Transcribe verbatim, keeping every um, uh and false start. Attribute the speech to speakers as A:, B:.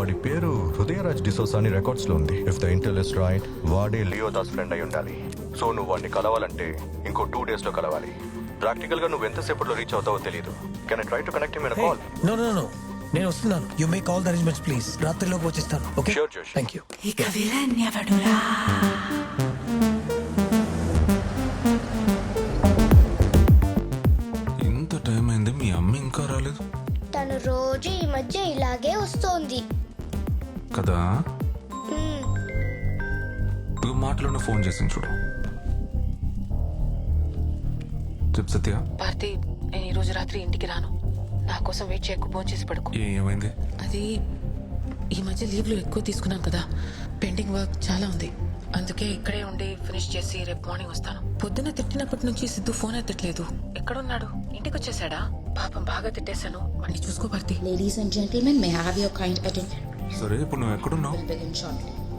A: వాడి పేరు హృదయరాజ్ డిసోసా అని రికార్డ్స్ లో ఉంది. If the intel is right, వాడే లియో దాస్ ఫ్రెండ్ అయి ఉండాలి. సో నువ్వు వాడిని కలవాలంటే ఇంకో టూ డేస్ లో కలవాలి. ప్రాక్టికల్ గా నువ్వు ఎంతసేపట్లో రీచ్ అవుతావో తెలియదు. Can I try to connect him in a call?
B: No no no, నేను వస్తున్నాను. You make all the arrangements please. రాత్రిలోకి వచ్చేస్తాను. Okay,
A: Sure, Josh.
B: Thank you.
C: ఇక విలన్ ఎవడురా?
D: ఇంత టైం అయింది, మీ అమ్మ ఇంకా రాలేదు
E: తను రోజు ఈ మధ్య ఇలాగే వస్తోంది.
D: కదా?
E: మ్మ్.
D: నువ్వు మాటలోనే ఫోన్ చేసింది చూడు. చెప్ సత్య.
F: భారతి, నేను ఈ రోజు రాత్రి ఇంటికి రాను. నా కోసం వెయిట్ చేయకు, ఫోన్ చేసి పడుకో.
D: ఏ ఏమైంది?
F: అది ఈ మధ్య లీవ్లు ఎక్కువ తీసుకున్నాను కదా, పెండింగ్ వర్క్ చాలా ఉంది. అందుకే ఇక్కడే ఉండి ఫినిష్ చేసి రేపు మార్నింగ్ వస్తాను. పొద్దున్న తిట్టినప్పటి నుంచి సిద్ధు ఫోన్ ఎత్తట్లేదు. ఎక్కడున్నాడు? ఇంటికి వచ్చేసాడా? పాపం బాగా తిట్టేశాను. వాడిని చూసుకో Bharati.
G: Ladies and gentlemen, may I have your kind attention?
D: సరే, ఇప్పుడు నువ్వు ఎక్కడున్నావు?
G: We'll begin shortly.